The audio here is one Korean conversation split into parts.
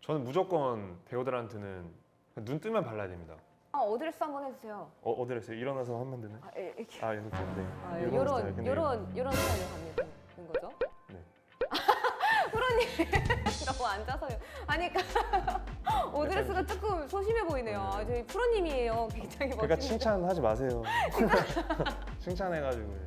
저는 무조건 배우들한테는 눈 뜨면 발라야 됩니다. 어드레스 한번 해주세요. 어드레스 일어나서 하면 되나요? 이렇게. 아 이렇게 네. 요런 스타일로 가는 거죠? 네. 프로님 너무 앉아서요. 아니 그러니까 오드레스가 조금 소심해 보이네요. 저희 프로님이에요. 굉장히 멋집니다. 그러니까 칭찬하지 마세요. 칭찬해가지고.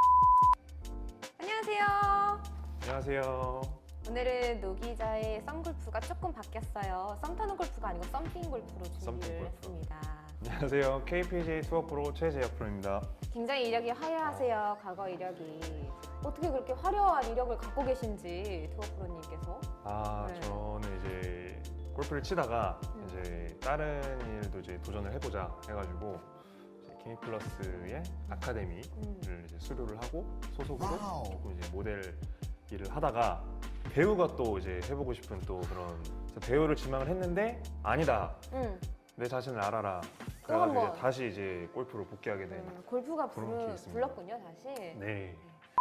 안녕하세요. 안녕하세요. 오늘은 노 기자의 썸골프가 조금 바뀌었어요. 썸 타는 골프가 아니고 썸띵 골프로 준비를 썸띵 골프. 했습니다. 안녕하세요. KPJ 투어 프로 최재혁 프로입니다. 굉장히 이력이 화려하세요. 과거 이력이. 어떻게 그렇게 화려한 이력을 갖고 계신지 투어 프로님께서. 네. 저는 이제 골프를 치다가 이제 다른 일도 이제 도전을 해보자 해가지고 이제 K플러스의 아카데미를 이제 수료를 하고 소속으로 조금 이제 모델 일을 하다가 배우가 또 이제 해보고 싶은 또 그런 그래서 배우를 지망을 했는데 아니다. 내 자신을 알아라. 그래가지고 한번. 이제 다시 이제 골프로 복귀하게 된 골프가 그런 게 있습니다. 불렀군요, 다시. 네.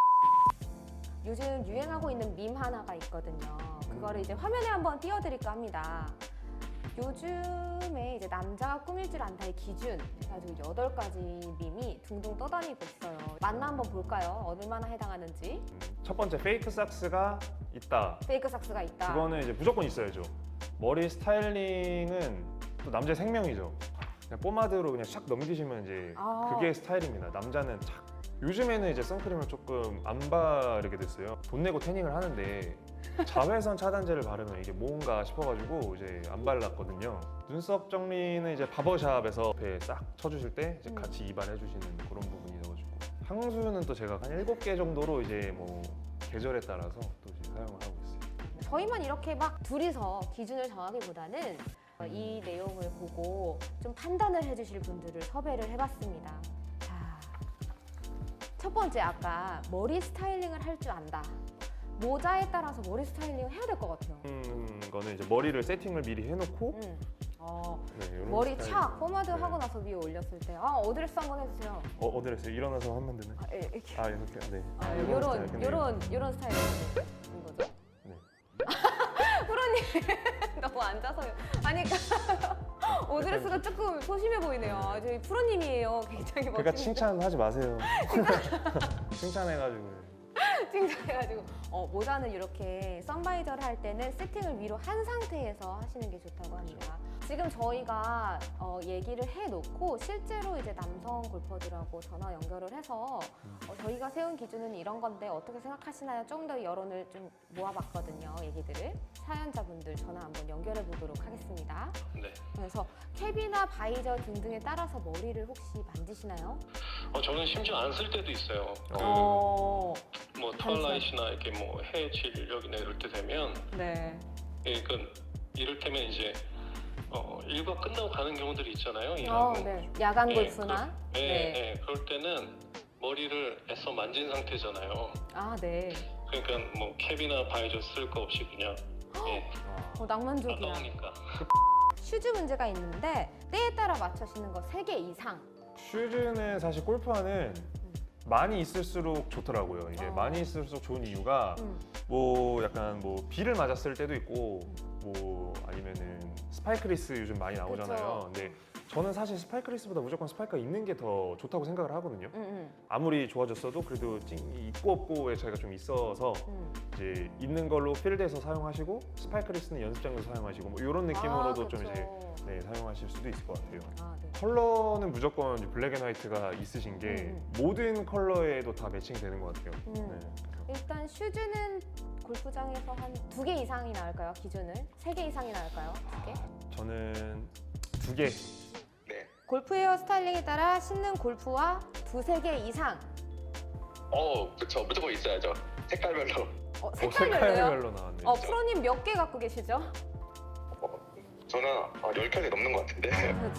요즘 유행하고 있는 밈 하나가 있거든요. 그거를 이제 화면에 한번 띄워드릴까 합니다. 요즘에 이제 남자가 꾸밀 줄 안다의 기준 해가지고 8가지 밈이 둥둥 떠다니고 있어요. 맞나 한번 볼까요? 얼마나 해당하는지. 첫 번째 페이크 삭스가 있다. 페이크 삭스가 있다. 그거는 이제 무조건 있어야죠. 머리 스타일링은 또 남자의 생명이죠. 그냥 포마드로 그냥 샥 넘기시면 이제 그게 스타일입니다. 남자는 착. 요즘에는 이제 선크림을 조금 안 바르게 됐어요. 돈 내고 태닝을 하는데 자외선 차단제를 바르면 이게 뭔가 싶어가지고 이제 안 발랐거든요. 눈썹 정리는 이제 바버샵에서 옆에 싹 쳐주실 때 이제 같이 이발해주시는 그런 부분이어가지고 향수는 또 제가 한 7개 정도로 이제 뭐 계절에 따라서 또 이제 사용을 하고 있어요. 저희만 이렇게 막 둘이서 기준을 정하기보다는 이 내용을 보고 좀 판단을 해주실 분들을 섭외를 해봤습니다. 자, 첫 번째 아까 머리 스타일링을 할 줄 안다. 모자에 따라서 머리 스타일링을 해야 될 것 같아요. 거는 이제 머리를 세팅을 미리 해놓고 네, 요런 머리 스타일로. 착 포마드 네. 하고 나서 위에 올렸을 때 어드레스 한번 해주세요. 어드레스 일어나서 하면 되나요? 이렇게. 이렇게 네. 요런 스타일인 거죠. 네. 프로님 너무 앉아서요. 아니 그러니까 오드레스가 조금 소심해 보이네요. 저희 프로님이에요. 굉장히 그러니까 멋집니다. 칭찬하지 마세요. 칭찬해가지고. 칭찬해가지고 모자는 이렇게 선바이저를 할 때는 세팅을 위로 한 상태에서 하시는 게 좋다고 합니다. 지금 저희가 얘기를 해놓고 실제로 이제 남성 골퍼들하고 전화 연결을 해서 저희가 세운 기준은 이런 건데 어떻게 생각하시나요? 좀 더 여론을 좀 모아봤거든요. 얘기들을 사연자분들 전화 한번 연결해 보도록 하겠습니다. 네. 그래서 캡이나 바이저 등등에 따라서 머리를 혹시 만지시나요? 저는 심지어 안 쓸 때도 있어요. 뭐 털라이트나 이렇게 뭐 해질력이나 이럴 때 되면 네. 이를테면 이제 일과 끝나고 가는 경우들이 있잖아요. 일하고. 네. 야간 골프나. 네. 그럴 때는 머리를 애써 만진 상태잖아요. 네. 그러니까 뭐 캡이나 바이저 쓸 거 없이 그냥 낭만적이야. 나오니까. 슈즈 문제가 있는데 때에 따라 맞춰 신는 거 3개 이상. 슈즈는 사실 골프화는 많이 있을수록 좋더라고요. 이게 많이 있을수록 좋은 이유가 뭐 약간 뭐 비를 맞았을 때도 있고 뭐 아니면은 스파이크리스 요즘 많이 나오잖아요. 근데 저는 사실 스파이크리스보다 무조건 스파이크가 있는 게 더 좋다고 생각을 하거든요. 아무리 좋아졌어도 그래도 있고 없고에 차이가 좀 있어서 이제 있는 걸로 필드에서 사용하시고 스파이크리스는 연습장에서 사용하시고 뭐 이런 느낌으로도 좀 이제 사용하실 수도 있을 것 같아요. 네. 컬러는 무조건 이제 블랙 앤 화이트가 있으신 게 모든 컬러에도 다 매칭되는 것 같아요. 네. 일단 슈즈는 골프장에서 한 2개 이상이 나올까요? 기준을? 3개 이상이 나올까요? 2개? 저는 2개. 네. 골프 헤어 스타일링에 따라 신는 골프화 2-3개 이상. 그쵸. 무조건 있어야죠. 색깔별로. 색깔별로요? 색깔별로 나왔네요. 프로님 몇 개 갖고 계시죠? 저는 10켤레 넘는 것 같은데.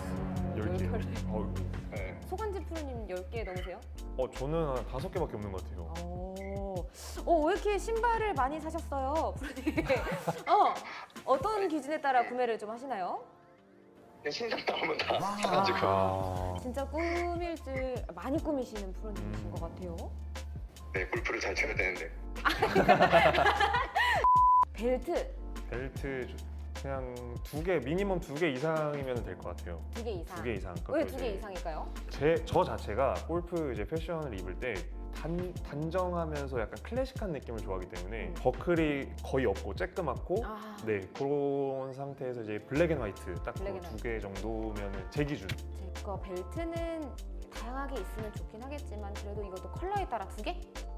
10개. 네. 소관지 프로님 10개 넘으세요? 저는 한 5개밖에 없는 것 같아요. 왜 이렇게 신발을 많이 사셨어요, 프로님? 어떤 기준에 따라 구매를 좀 하시나요? 그냥 신상 나오면 다 사가지고. 진짜 꾸밀 줄 많이 꾸미시는 프로님이신 것 같아요. 네, 골프를 잘 쳐야 되는데. 벨트. 벨트 그냥 두 개, 미니멈 2개 이상이면 될 것 같아요. 2개 이상. 2개 이상. 왜 그것도 2개 이제 이상일까요? 저 자체가 골프 이제 패션을 입을 때 단정하면서 약간 클래식한 느낌을 좋아하기 때문에 버클이 거의 없고 쬐끄맣고 아, 네 그런 상태에서 이제 블랙 앤 화이트 딱 블랙 앤 2개 정도면 제 기준. 제 거 벨트는 다양하게 있으면 좋긴 하겠지만 그래도 이것도 컬러에 따라 2개?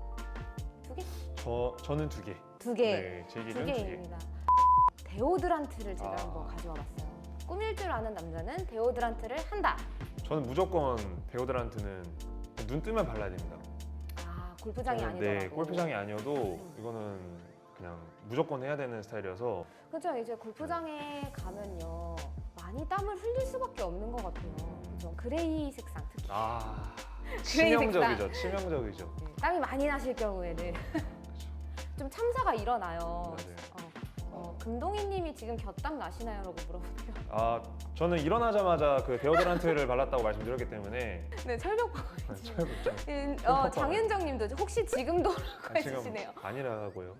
2개? 저는 2개. 2개. 네, 제 두 기준 2개. 개입니다. 데오드란트를 제가 아. 한번 가져와 봤어요. 꾸밀 줄 아는 남자는 데오드란트를 한다. 저는 무조건 데오드란트는 눈 뜨면 발라야 됩니다. 아, 골프장이 저는, 아니더라도. 네, 골프장이 아니어도 이거는 그냥 무조건 해야 되는 스타일이어서 그죠. 이제 골프장에 가면요. 많이 땀을 흘릴 수밖에 없는 것 같아요. 그죠. 그레이 색상 특히. 그레이 색상. 치명적이죠. 치명적이죠. 네, 땀이 많이 나실 경우에는 좀 참사가 일어나요. 맞아요. 금동희 님이 지금 곁땀 나시나요? 라고 물어보네요. 저는 일어나자마자 그 데오드란트를 발랐다고 말씀드렸기 때문에 네, 철벽방. 철벽장. 장윤정 님도 혹시 지금도? 라고 지금 해주시네요. 아니라고요.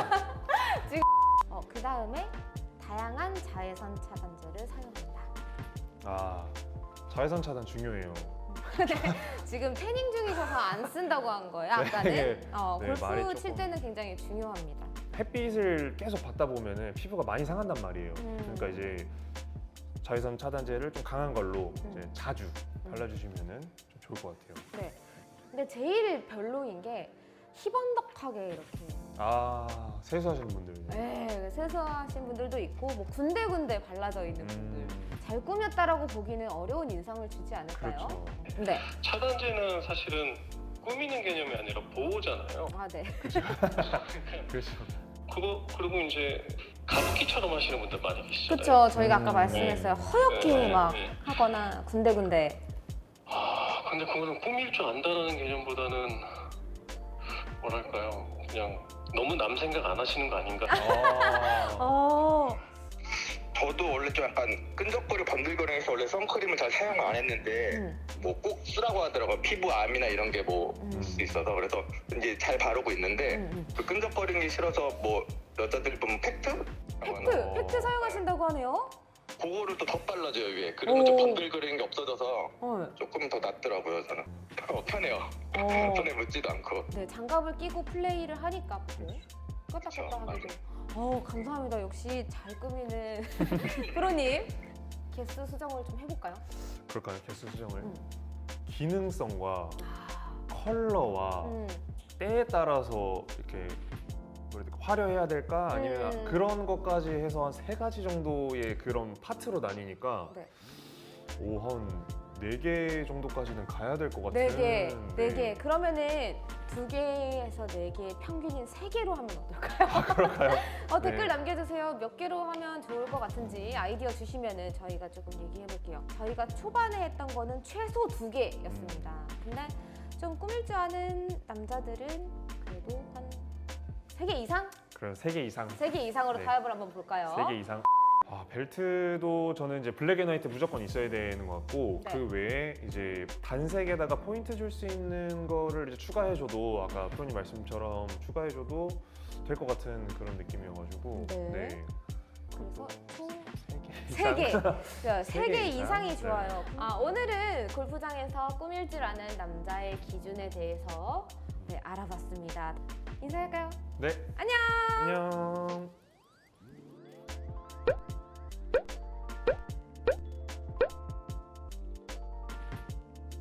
그 다음에 다양한 자외선 차단제를 사용한다. 자외선 차단 중요해요. 지금 태닝 중이셔서 안 쓴다고 한 거예요, 아까는? 네, 골프 말이 칠 조금. 때는 굉장히 중요합니다. 햇빛을 계속 받다 보면은 피부가 많이 상한단 말이에요. 그러니까 이제 자외선 차단제를 좀 강한 걸로 이제 자주 발라주시면은 좀 좋을 것 같아요. 네. 근데 제일 별로인 게 희번덕하게 이렇게 세수하시는 분들. 네, 세수하신 분들도 있고 뭐 군데군데 발라져 있는 분들 잘 꾸몄다라고 보기는 어려운 인상을 주지 않을까요? 그렇죠. 네. 차단제는 사실은 꾸미는 개념이 아니라 보호잖아요. 네. 그렇죠. 그리고 이제 가습기처럼 하시는 분들 많이 계시잖아요. 그렇죠. 저희가 아까 말씀했어요. 허옇게 네, 막 네. 하거나 군데군데. 근데 그거는 꾸밀 줄 안다라는 개념보다는 뭐랄까요, 그냥 너무 남 생각 안 하시는 거 아닌가. 저도 원래 좀 약간 끈적거리고 번들거리면서 원래 선크림을 잘 사용 안 했는데 뭐 꼭 쓰라고 하더라고요. 피부암이나 이런 게 뭐 있을 수 있어서. 그래서 이제 잘 바르고 있는데 그 끈적거리는 게 싫어서 뭐 여자들 보면 팩트? 팩트 사용하신다고 하네요. 그거를 또 덧발라줘요 위에. 그리고 좀 번들거리는 게 없어져서 네. 조금 더 낫더라고요 저는. 편해요. 손에 묻지도 않고. 네, 장갑을 끼고 플레이를 하니까 껐다 그쵸, 껐다 하게 돼요. 감사합니다. 역시 잘 꾸미는 프로님. 개수 수정을 좀 해볼까요? 그럴까요? 개수 수정을. 기능성과 아, 컬러와 때에 따라서 이렇게 뭐랄까, 화려해야 될까 아니면 그런 것까지 해서 한 3가지 정도의 그런 파트로 나뉘니까 네. 한 4개 정도까지는 가야 될 것 같은. 4개. 그러면은 2개에서 4개 평균인 3개로 하면 어떨까요? 그럴까요? 댓글 네. 남겨주세요. 몇 개로 하면 좋을 것 같은지 아이디어 주시면은 저희가 조금 얘기해 볼게요. 저희가 초반에 했던 거는 최소 2개였습니다. 근데 좀 꾸밀 줄 아는 남자들은 그래도 한 3개 이상? 그럼 3개 이상. 3개 이상으로 네. 타협을 한번 볼까요? 3개 이상. 벨트도 저는 이제 블랙 앤 화이트 무조건 있어야 되는 것 같고 네. 그 외에 이제 단색에다가 포인트 줄 수 있는 거를 이제 추가해줘도 아까 프로님 말씀처럼 추가해줘도 될 것 같은 그런 느낌이어가지고 네. 그래서 총 3개 3개. 3개 이상? 이상이 네. 좋아요. 오늘은 골프장에서 꾸밀 줄 아는 남자의 기준에 대해서 알아봤습니다. 인사할까요? 네. 안녕! 안녕.